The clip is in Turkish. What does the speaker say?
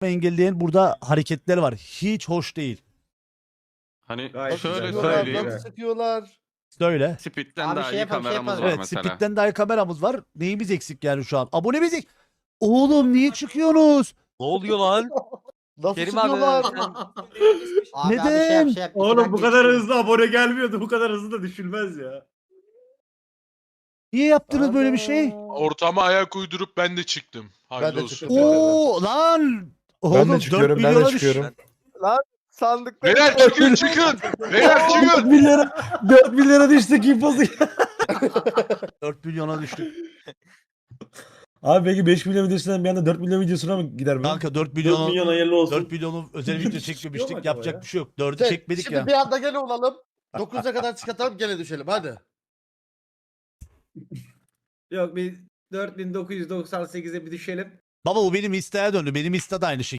engelleyen burada hareketler var. Hiç hoş değil. Hani Gayet şöyle güzel. söyleyeyim. Nasıl sıkıyorlar? Söyle. Speed'den Abi daha şey iyi yapalım, şey kameramız yapalım. var Evet, mesela. Speed'den daha iyi kameramız var. Neyimiz eksik yani şu an? Abonemiz eksik. Oğlum niye çıkıyorsunuz? Ne oluyor lan? Nasıl Kerim abi sıkıyorlar? Abi Neden? abi şey yap şey yap. İki Oğlum bu dakika kadar geçti. hızlı abone gelmiyordu. Bu kadar hızlı da düşülmez ya. Niye yaptınız böyle bir şey? Ortama ayak uydurup ben de çıktım. Ben Hayırlı de olsun. çıktım. Oo lan. Oğlum, Ben de 4 çıkıyorum, ben de milyona çıkıyorum. Sandıkta Beyler çıkın çıkın. Beyler çıkın. 4 milyara düştük impozu. 4 milyona düştük. Abi belki 5 milyon videosundan bir anda 4 milyon videosuna mı gider mi? Kanka 4 4 milyonu milyon hayırlı olsun. 4 milyonu özel video Çıkıyor mu çekmemiştik. acaba Yapacak ya? bir şey yok. 4'ü çekmedik Şimdi ya. bir anda gene olalım. 9'a kadar çıkartalım gene düşelim hadi. Yok bir 4998'e bir düşelim. Baba bu benim Insta'ya döndü. Benim Insta da aynı şey.